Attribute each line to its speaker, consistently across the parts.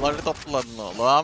Speaker 1: Paraları topladın oğlum.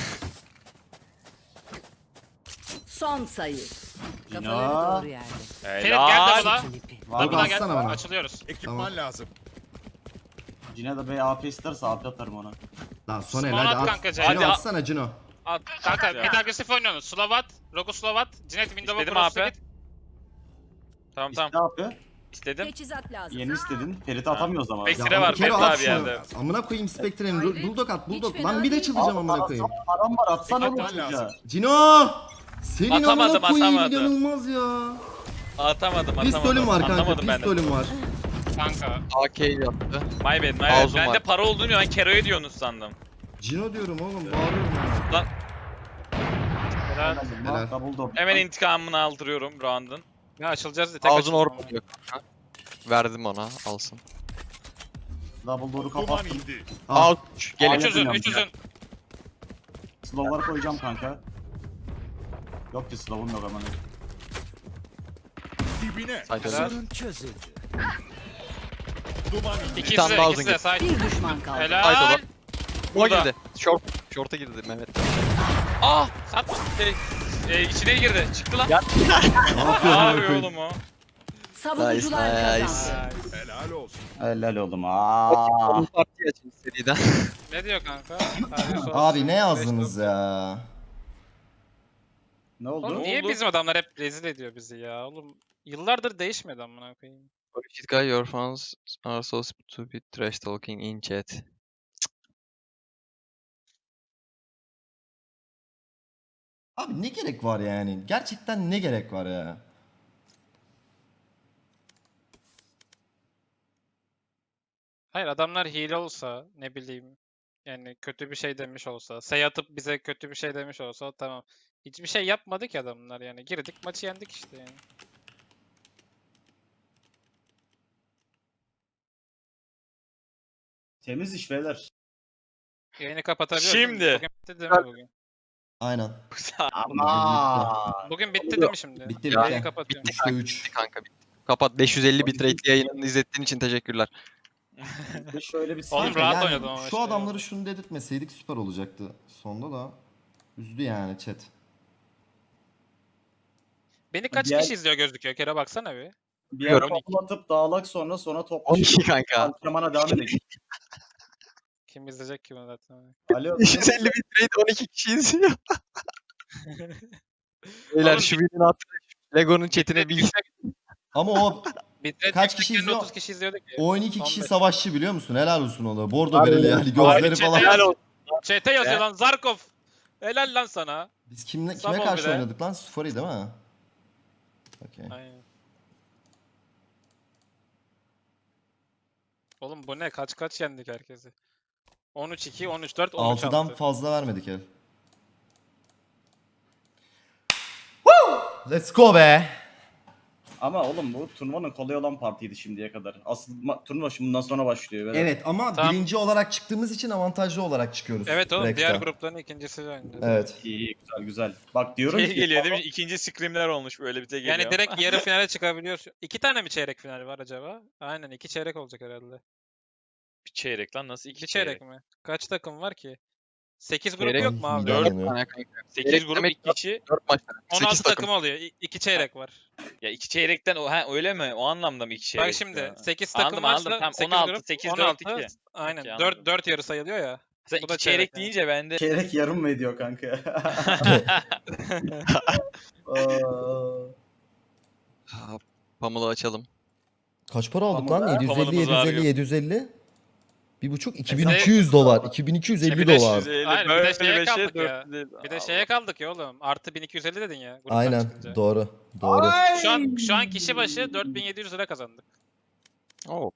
Speaker 2: Son sayı.
Speaker 3: Cino.
Speaker 2: Kafaları doğru yerde.
Speaker 4: Ferit gel
Speaker 1: Helal.
Speaker 4: double'a.
Speaker 3: Var
Speaker 4: Double'a gel.
Speaker 5: atsana bana.
Speaker 4: Açılıyoruz.
Speaker 6: Ekipman
Speaker 5: Tamam.
Speaker 6: lazım.
Speaker 3: Cino da bir AP isterse AP atarım ona.
Speaker 5: Lan Soner
Speaker 4: Smoke
Speaker 5: hadi
Speaker 4: at
Speaker 5: at.
Speaker 4: kanka,
Speaker 5: Cino
Speaker 4: hadi
Speaker 1: at.
Speaker 5: atsana Cino.
Speaker 4: At. Kanka
Speaker 1: Ya.
Speaker 4: mid agresif oynuyorsunuz. Slovat, Rogu Slovat, Cinet Window'a
Speaker 1: İstedim
Speaker 4: cross'u
Speaker 1: abi.
Speaker 4: git.
Speaker 1: Tamam
Speaker 3: İste
Speaker 1: tamam.
Speaker 3: AP.
Speaker 1: İstedim.
Speaker 2: Teçhizat lazım.
Speaker 3: Yeni istedin. Ferit'i atamıyoruz ama.
Speaker 1: Spectre var.
Speaker 5: Kero
Speaker 1: Bekle
Speaker 5: at
Speaker 1: abi
Speaker 5: şunu.
Speaker 1: yerde.
Speaker 5: Amına koyayım Spectre'nin. Bulldog at Bulldog.
Speaker 2: Hiç
Speaker 5: Lan
Speaker 2: fena
Speaker 5: bir de
Speaker 2: değil.
Speaker 5: çıldıracağım amına koyayım.
Speaker 3: Param var atsana oğlum
Speaker 6: Ekipman
Speaker 3: çocuğa.
Speaker 6: lazım.
Speaker 5: Cino! Senin
Speaker 1: Atamadım,
Speaker 5: amına koyayım
Speaker 1: atamadım.
Speaker 5: inanılmaz ya.
Speaker 1: Atamadım.
Speaker 5: Pistolüm var kanka
Speaker 1: Anlamadım ben de.
Speaker 5: pistolüm var.
Speaker 4: Kanka.
Speaker 1: AK yaptı. My bad my bad.
Speaker 7: Ağzım
Speaker 1: Ben
Speaker 7: var.
Speaker 1: de para olduğunu ben Kero'ya diyorsunuz sandım.
Speaker 5: Cino diyorum oğlum bağırıyorum ya.
Speaker 1: Lan
Speaker 4: Helal.
Speaker 5: Helal.
Speaker 3: Double door.
Speaker 1: hemen intikamını aldırıyorum round'un.
Speaker 4: Ya açılacağız diye tek
Speaker 7: Ağzını
Speaker 4: açıldım
Speaker 7: orp
Speaker 4: ama.
Speaker 7: atıyor kanka. Verdim ona alsın.
Speaker 3: Double door'u
Speaker 6: Duman
Speaker 3: kapattım.
Speaker 6: indi.
Speaker 5: Al.
Speaker 7: Al. Gelin.
Speaker 4: 300'ün 300'ün.
Speaker 3: Slow'ları koyacağım kanka. Yok ki slow'um yok aman.
Speaker 6: Dibine.
Speaker 7: Sayın
Speaker 4: Helal.
Speaker 6: Duman indi.
Speaker 4: İkisi
Speaker 7: tane
Speaker 4: de
Speaker 7: daha
Speaker 4: ikisi de side.
Speaker 2: Bir düşman kaldı.
Speaker 7: Haydi
Speaker 4: Helal.
Speaker 7: bak. Buna
Speaker 1: Burada.
Speaker 7: girdi. Short'a girdi Mehmet.
Speaker 1: Ah! Satma. İçine girdi. Çıktı lan.
Speaker 5: Ne yapıyorsun
Speaker 1: Ne
Speaker 5: amına
Speaker 1: yapıyor
Speaker 5: koyayım?
Speaker 1: oğlum o?
Speaker 2: Savunucular
Speaker 7: Nice,
Speaker 2: kazandı.
Speaker 6: Helal olsun.
Speaker 3: Helal oğlum. Aa.
Speaker 7: Onun partiyi açın seriden.
Speaker 4: Ne diyor kanka? Tarih sol.
Speaker 5: Abi ne yazdınız ya?
Speaker 3: Ne
Speaker 4: Oğlum
Speaker 3: oldu?
Speaker 4: niye
Speaker 1: oldu?
Speaker 4: bizim adamlar hep rezil ediyor bizi ya? Oğlum yıllardır değişmedi amına koyayım.
Speaker 7: Shit guy, your fans are so stupid trash talking in chat.
Speaker 5: Abi ne gerek var yani? Gerçekten ne gerek var ya?
Speaker 4: Hayır adamlar hile olsa ne bileyim yani kötü bir şey demiş olsa, say atıp bize kötü bir şey demiş olsa tamam. Hiçbir şey yapmadı ki adamlar yani. Girdik maçı yendik işte yani.
Speaker 3: Temiz iş beyler.
Speaker 4: Yayını kapatabiliyoruz. değil mi?
Speaker 1: Şimdi.
Speaker 4: Bugün bitti değil mi bugün?
Speaker 5: Aynen.
Speaker 3: Ama.
Speaker 4: Bugün bitti değil mi şimdi?
Speaker 5: Bitti,
Speaker 4: Yayını
Speaker 5: bitti.
Speaker 4: kapatıyorum.
Speaker 5: 3'te 3.
Speaker 7: Kanka bitti. Kapat 550 bitrate yayınını izlettiğin için teşekkürler.
Speaker 3: Bir şöyle bir
Speaker 4: Oğlum
Speaker 3: sıkıntı.
Speaker 4: rahat oynadım ama
Speaker 5: Şu
Speaker 4: işte.
Speaker 5: adamları şunu dedirtmeseydik süper olacaktı. Sonda da üzdü yani chat.
Speaker 4: Beni kaç
Speaker 3: Diğer-
Speaker 4: kişi izliyor gözüküyor? Kere baksana bir.
Speaker 3: Bir yer
Speaker 7: 12.
Speaker 3: toplatıp dağılak sonra top
Speaker 7: 12 kanka.
Speaker 3: antrenmana devam edelim.
Speaker 4: Kim izleyecek ki bunu zaten?
Speaker 3: Alo.
Speaker 7: 550 bitrate 12 kişi izliyor. Beyler
Speaker 4: Oğlum,
Speaker 7: şu videonun altına Lego'nun chatine bir
Speaker 5: Ama o
Speaker 4: Bitrate
Speaker 5: Kaç kişi
Speaker 4: yüksekken
Speaker 5: izliyor?
Speaker 4: 30 kişi izliyorduk ya.
Speaker 5: o 12 kişi
Speaker 4: 15.
Speaker 5: savaşçı biliyor musun? Helal olsun ona. Bordo bereli yani gözleri
Speaker 4: chat'e
Speaker 5: falan.
Speaker 4: yaz. Chat'e yazıyor lan Zarkov. Helal lan sana.
Speaker 5: Biz kime
Speaker 4: Sabah
Speaker 5: karşı
Speaker 4: bile.
Speaker 5: oynadık lan? Sufari değil mi? Okey.
Speaker 4: Aynen. Oğlum bu ne? Kaç yendik herkesi? 13-2, 13-4, 13-6.
Speaker 5: 6'dan fazla vermedik el. Let's go be.
Speaker 3: Ama oğlum bu turnuvanın kolay olan partiydi şimdiye kadar. Asıl turnuva şimdi bundan sonra başlıyor. Böyle.
Speaker 5: Evet ama
Speaker 4: Tamam.
Speaker 5: birinci olarak çıktığımız için avantajlı olarak çıkıyoruz.
Speaker 4: Evet oğlum
Speaker 5: Direkt'ten.
Speaker 4: diğer grupların ikincisi de oynayacağız.
Speaker 5: Evet.
Speaker 3: İyi güzel. Bak diyorum
Speaker 1: Şey
Speaker 3: ki.
Speaker 1: geliyor değil mi? İkinci scrimler olmuş böyle bir tek geliyor.
Speaker 4: Yani direkt yarı finale çıkabiliyorsun. 2 tane mi çeyrek final var acaba? Aynen 2 çeyrek olacak herhalde.
Speaker 1: Bir çeyrek lan nasıl
Speaker 4: 2 çeyrek mi? Kaç takım var ki? 8 grubu
Speaker 7: Çeyrek
Speaker 4: yok mu abi?
Speaker 5: Dört.
Speaker 7: 4 tane kanka.
Speaker 1: 8 grup
Speaker 7: Demek
Speaker 1: 2 kişi.
Speaker 7: 4 maç.
Speaker 4: 16
Speaker 7: 8
Speaker 4: takım oluyor. 2 çeyrek var.
Speaker 1: Ya 2 çeyrekten öyle mi? O anlamda mı 2 çeyrek?
Speaker 4: Bak şimdi
Speaker 1: ya?
Speaker 4: 8 takım
Speaker 1: Anladım,
Speaker 4: varsa
Speaker 1: anladım. Tamam,
Speaker 4: 8
Speaker 1: 16,
Speaker 4: grup,
Speaker 1: 8, 4,
Speaker 4: 16.
Speaker 1: 2.
Speaker 4: Aynen.
Speaker 1: Okey,
Speaker 4: 4
Speaker 1: anladım.
Speaker 4: 4 yarı sayılıyor ya.
Speaker 1: Sen
Speaker 4: Bu da
Speaker 1: 2 çeyrek
Speaker 4: çeyrek yani.
Speaker 1: deyince ben de
Speaker 3: Çeyrek yarım mı ediyor kanka? Aa,
Speaker 7: Pamela açalım.
Speaker 5: Kaç para aldık
Speaker 3: Tamam,
Speaker 5: lan? 750
Speaker 1: pamuğumuz var
Speaker 5: 750
Speaker 1: yok.
Speaker 5: 750. 1,5 2200 dolar. 2250
Speaker 4: Bir de
Speaker 5: dolar.
Speaker 4: Hayır, bir de şeye
Speaker 1: beşe,
Speaker 4: kaldık ya.
Speaker 1: 450.
Speaker 4: Bir de şeye kaldık ya oğlum. Artı 1250 dedin ya. gruptan
Speaker 5: Aynen.
Speaker 4: çıkınca.
Speaker 5: Doğru. Doğru.
Speaker 4: Şu an kişi başı 4700 lira kazandık.
Speaker 7: Oo,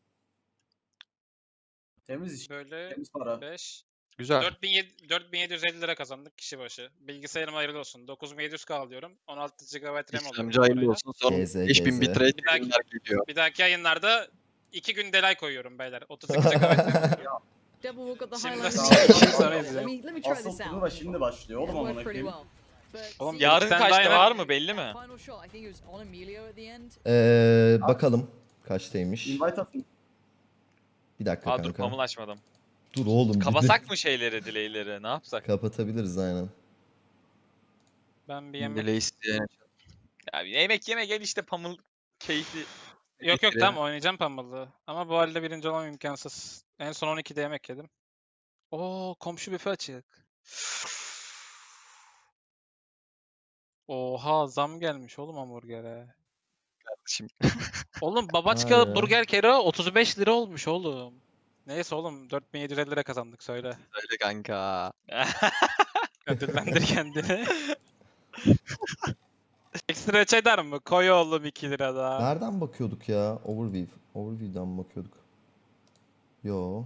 Speaker 3: Temiz iş.
Speaker 4: Böyle
Speaker 3: Temiz para.
Speaker 4: 5
Speaker 7: güzel.
Speaker 4: 4750 lira kazandık kişi başı. Bilgisayarım hayırlı olsun. 9700 kal diyorum. 16 GB RAM oluyor.
Speaker 7: İşlemci hayırlı olsun. Son
Speaker 5: GZ.
Speaker 7: 5000 bitrate
Speaker 4: Bir dahaki-
Speaker 7: yayınlar geliyor.
Speaker 4: Bir dahaki yayınlarda 2 gün delay koyuyorum beyler. 32 GB RAM.
Speaker 2: Double got the
Speaker 4: Şimdi
Speaker 2: highlights.
Speaker 4: sonra
Speaker 2: Let
Speaker 4: izleyelim.
Speaker 2: me try
Speaker 3: Asıl
Speaker 2: this
Speaker 3: turnuva
Speaker 2: out.
Speaker 3: şimdi başlıyor oğlum amına
Speaker 2: Worked pretty
Speaker 3: koyayım.
Speaker 2: well. But
Speaker 4: Oğlum
Speaker 2: see,
Speaker 1: Yarın
Speaker 4: Bir tane
Speaker 1: kaçta
Speaker 4: daha
Speaker 1: var
Speaker 4: yine-
Speaker 1: mı belli mi?
Speaker 2: final shot, I think it was on Emilio at the end.
Speaker 5: Bakalım kaçtaymış.
Speaker 3: Invite atın.
Speaker 5: Bir dakika
Speaker 1: Aa dur
Speaker 5: kanka.
Speaker 1: pamul açmadım.
Speaker 5: Dur oğlum.
Speaker 1: Kapasak mı şeyleri, delay'leri? Ne yapsak?
Speaker 5: Kapatabiliriz aynen.
Speaker 4: Ben bir yemek...
Speaker 7: Delay isteyen.
Speaker 1: Ya bir yemek yeme gel işte pamul keyfi.
Speaker 4: Yok
Speaker 7: bitirelim.
Speaker 4: tamam oynayacağım Pummel'ı. Ama bu halde birinci olmam imkansız. En son 12'de yemek yedim. Oo komşu büfe açık. Oha zam gelmiş oğlum hamburgere.
Speaker 7: Şimdi
Speaker 4: Oğlum
Speaker 5: Vay
Speaker 4: Babaçka
Speaker 5: be.
Speaker 4: burger kere 35 lira olmuş oğlum. Neyse oğlum 4750 lira kazandık söyle.
Speaker 7: söyle kanka.
Speaker 4: Ödüllendir kendini. Ekstra cheddar mı? Koy oğlum 2 lira daha.
Speaker 5: Nereden bakıyorduk ya? Overview. Overview'dan mı bakıyorduk? Yo.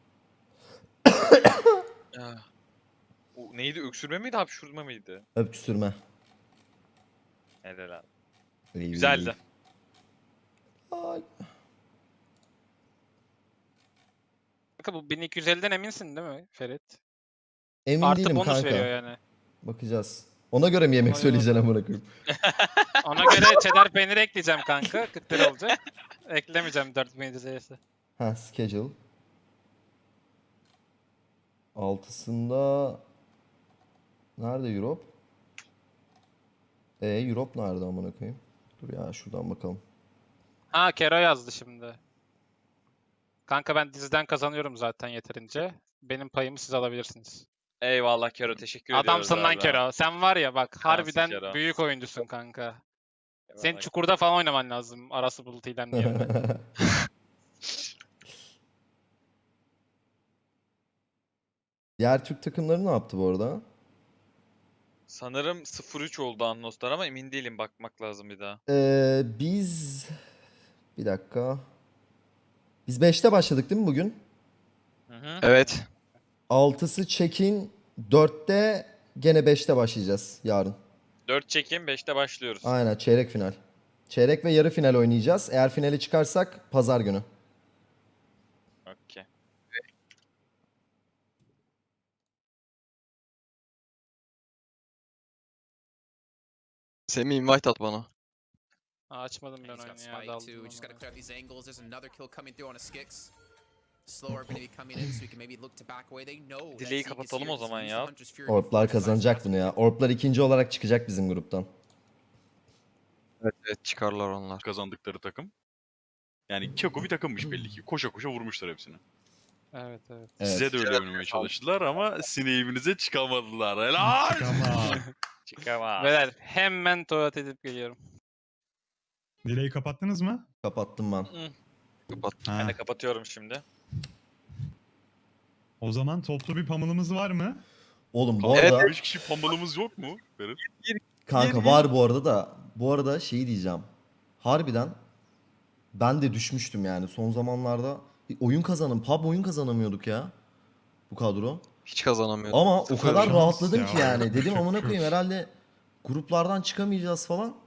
Speaker 1: Ya. O neydi? Öksürme miydi, hapşurma mıydı?
Speaker 5: Öpçüsürme.
Speaker 1: Helal abi.
Speaker 5: İyi,
Speaker 1: Güzeldi.
Speaker 5: Ay.
Speaker 4: Kanka bu 1250'den eminsin değil mi Ferit?
Speaker 5: Emin
Speaker 4: Artı
Speaker 5: değilim
Speaker 4: bonus
Speaker 5: kanka.
Speaker 4: veriyor yani.
Speaker 5: Bakacağız. Ona göre mi yemek
Speaker 4: Ona
Speaker 5: söyleyeceksin amına koyayım?
Speaker 4: Ona göre cheddar peyniri ekleyeceğim kanka. 40 lira olacak. Eklemeyeceğim 4750'si.
Speaker 5: Ha, schedule. Altısında nerede Europe? Europe nerede amına koyayım? Dur ya şuradan bakalım.
Speaker 4: Ha Kero yazdı şimdi. Kanka ben diziden kazanıyorum zaten yeterince. Benim payımı siz alabilirsiniz.
Speaker 1: Eyvallah Kero, teşekkür ediyoruz
Speaker 4: Adamsın lan
Speaker 1: abi.
Speaker 4: Kero. Sen var ya bak harbiden
Speaker 1: Kero.
Speaker 4: büyük oyuncusun kanka. Senin
Speaker 1: Eyvallah.
Speaker 4: çukurda falan oynaman lazım. Arası Bulut İlem yerine.
Speaker 5: Diğer Türk takımları ne yaptı bu arada?
Speaker 1: Sanırım 0-3 oldu Annos'tan ama emin değilim, bakmak lazım bir daha.
Speaker 5: Biz bir dakika. Biz 5'te başladık değil mi bugün?
Speaker 1: Hı hı.
Speaker 7: Evet.
Speaker 5: 6'sı check-in, 4'te gene 5'te başlayacağız yarın.
Speaker 1: 4 çekim 5'te başlıyoruz.
Speaker 5: Aynen çeyrek final. Çeyrek ve yarı final oynayacağız. Eğer finale çıkarsak pazar günü.
Speaker 1: Okey.
Speaker 7: Semih invite at bana.
Speaker 4: Aa, açmadım ben
Speaker 6: He's got
Speaker 4: oyunu ya.
Speaker 6: spike
Speaker 4: Daldım
Speaker 6: too. We just
Speaker 4: ona.
Speaker 6: gotta clear up these angles. There's another kill coming through on a Skix. Slower gonna be coming in so we can maybe look to back away. They know that
Speaker 1: Dileği
Speaker 6: Zeke is
Speaker 1: kapatalım
Speaker 6: here.
Speaker 1: o zaman
Speaker 6: Use the
Speaker 1: ya.
Speaker 6: Hunter's Fury
Speaker 5: Orplar
Speaker 6: before he tries
Speaker 5: kazanacak
Speaker 6: to
Speaker 5: bunu ya.
Speaker 6: pass
Speaker 5: Orplar ikinci olarak çıkacak bizim gruptan.
Speaker 7: Evet çıkarlar onlar.
Speaker 8: Kazandıkları takım. Yani Keko bir takımmış belli ki. Koşa koşa vurmuşlar hepsini.
Speaker 4: Evet evet.
Speaker 5: Evet.
Speaker 8: Size de öyle oynamaya çalıştılar ama sineğimize çıkamadılar. Helal!
Speaker 1: Çıkamaz.
Speaker 4: Beyler hemen tuvalet edip geliyorum.
Speaker 9: Dileği kapattınız mı?
Speaker 5: Kapattım ben.
Speaker 7: Kapat.
Speaker 9: Ha.
Speaker 1: Ben de kapatıyorum şimdi.
Speaker 9: O zaman toplu bir pamulumuz var mı?
Speaker 5: Oğlum bu
Speaker 7: Evet,
Speaker 5: arada
Speaker 8: 5 kişi pambalımız yok mu? Benim.
Speaker 5: kanka var bu arada da. Bu arada şeyi diyeceğim. Harbiden ben de düşmüştüm yani son zamanlarda. PUBG oyun kazanamıyorduk ya. Bu kadro.
Speaker 7: Hiç kazanamıyordum.
Speaker 5: Ama o
Speaker 7: Sıfır
Speaker 5: kadar
Speaker 9: şans
Speaker 5: rahatladım
Speaker 9: ya.
Speaker 5: ki yani. Dedim
Speaker 9: Çok
Speaker 5: amına
Speaker 9: çok.
Speaker 5: koyayım herhalde gruplardan çıkamayacağız falan.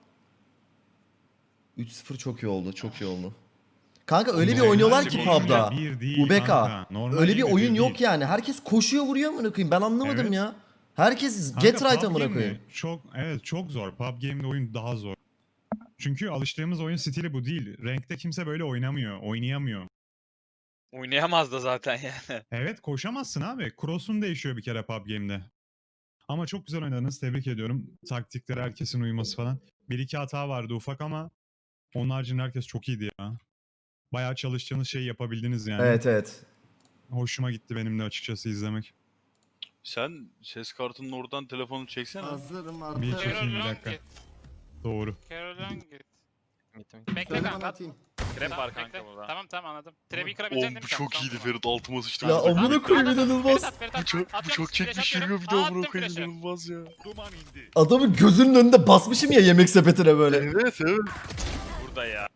Speaker 5: 3-0 çok iyi oldu. Çok iyi oldu. Kanka öyle bir
Speaker 9: Normal
Speaker 5: oynuyorlar
Speaker 9: gibi
Speaker 5: ki
Speaker 9: oyun
Speaker 5: PUBG'da.
Speaker 9: bir değil
Speaker 5: UBK.
Speaker 9: kanka. Normal
Speaker 5: Öyle bir
Speaker 9: gibi
Speaker 5: oyun
Speaker 9: bir
Speaker 5: yok
Speaker 9: değil.
Speaker 5: yani. Herkes koşuyor vuruyor amına koyayım. Ben anlamadım
Speaker 9: Evet.
Speaker 5: ya. Herkes
Speaker 9: Kanka,
Speaker 5: get right
Speaker 9: PUBG
Speaker 5: amına
Speaker 9: Game'de
Speaker 5: koyayım.
Speaker 9: çok zor. PUBG Game'de oyun daha zor. Çünkü alıştığımız oyun stili bu değil. Rank'te kimse böyle oynayamıyor.
Speaker 1: Oynayamaz da zaten yani.
Speaker 9: Evet koşamazsın abi. Cross'un değişiyor bir kere PUBG Game'de. Ama çok güzel oynadınız. Tebrik ediyorum. Taktiklere herkesin uyması falan. Bir iki hata vardı ufak ama onun haricinde herkes çok iyiydi ya. Bayağı çalıştığınız şeyi yapabildiniz yani.
Speaker 5: Evet evet.
Speaker 9: Hoşuma gitti benim de açıkçası izlemek.
Speaker 8: Sen ses kartının oradan telefonu çeksene.
Speaker 5: Hazırım
Speaker 9: Bir
Speaker 5: artık.
Speaker 9: çekeyim bir dakika. Doğru.
Speaker 4: Carol'dan git.
Speaker 7: Gittim.
Speaker 4: Bekle
Speaker 5: Söyle
Speaker 4: kanka.
Speaker 5: bana atayım.
Speaker 1: Trap
Speaker 4: Tamam,
Speaker 1: var kanka
Speaker 4: bekle.
Speaker 1: burada.
Speaker 4: Tamam anladım. Trebi
Speaker 8: Oğlum
Speaker 4: kırabileceksin değil
Speaker 8: bu
Speaker 4: mi?
Speaker 8: çok
Speaker 4: Tamam,
Speaker 8: iyiydi
Speaker 4: tamam.
Speaker 8: Ferit, altıma sıçtım.
Speaker 5: Ya
Speaker 8: Bak,
Speaker 5: amına koyayım
Speaker 4: Ferit
Speaker 5: inanılmaz.
Speaker 4: at, Ferit
Speaker 8: bu
Speaker 4: at.
Speaker 8: çok, bu
Speaker 4: Atıyorum,
Speaker 8: çok
Speaker 4: flash
Speaker 8: çekmiş
Speaker 4: atıyorum.
Speaker 8: yürüyor bir de amına
Speaker 4: Attım
Speaker 8: koyayım,
Speaker 4: flash'ı.
Speaker 8: inanılmaz ya.
Speaker 5: Adamın gözünün önünde basmışım ya yemek sepetine böyle.
Speaker 8: Evet evet.
Speaker 1: Burada ya.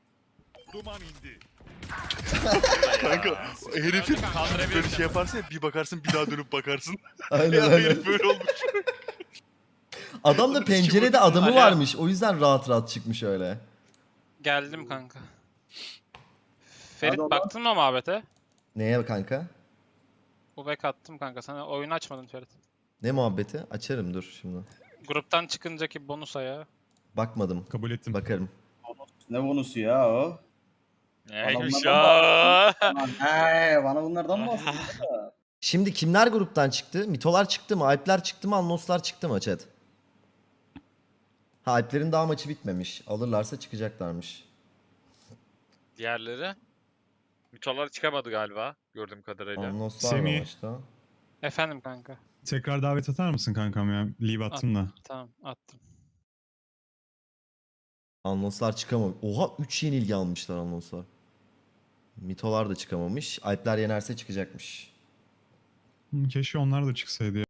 Speaker 8: Kanka herifin
Speaker 1: Kaldırabilirsin.
Speaker 8: böyle şey yaparsın ya, bir bakarsın bir daha dönüp bakarsın.
Speaker 5: Aynen
Speaker 8: Ya
Speaker 5: aynen.
Speaker 8: herif böyle olmuş.
Speaker 5: Adam da pencerede adamı
Speaker 4: Alo.
Speaker 5: varmış. O yüzden rahat rahat çıkmış öyle.
Speaker 4: Geldim kanka. Ferit
Speaker 3: Hadi
Speaker 4: baktın mı muhabbete?
Speaker 5: Neye kanka?
Speaker 4: Ubek attım kanka. Sana oyunu açmadın Ferit.
Speaker 5: Ne muhabbeti? Açarım dur şimdi.
Speaker 4: Gruptan çıkıncaki bonus ayağı.
Speaker 5: Bakmadım.
Speaker 9: Kabul ettim.
Speaker 5: Bakarım.
Speaker 3: Ne bonusu ya o?
Speaker 1: Neymiş
Speaker 3: Adamlardan
Speaker 1: ya?
Speaker 3: Bana bunlardan mı bahsediyorsun?
Speaker 5: Şimdi kimler gruptan çıktı? Mitolar çıktı mı? Alpler çıktı mı? Annoslar çıktı mı chat? Ha, Alplerin daha maçı bitmemiş. Alırlarsa çıkacaklarmış.
Speaker 1: Diğerleri? Mitolar çıkamadı galiba gördüğüm kadarıyla.
Speaker 5: Annoslar da
Speaker 9: Semih.
Speaker 5: maçta.
Speaker 4: Efendim kanka.
Speaker 9: Tekrar davet atar mısın kankam ya? Leave attım da.
Speaker 4: Tamam attım.
Speaker 5: Annoslar çıkamamış. Oha 3 yenilgi almışlar Annoslar. Mitolar da çıkamamış. Alpler yenerse çıkacakmış.
Speaker 9: Keşke onlar da çıksaydı ya.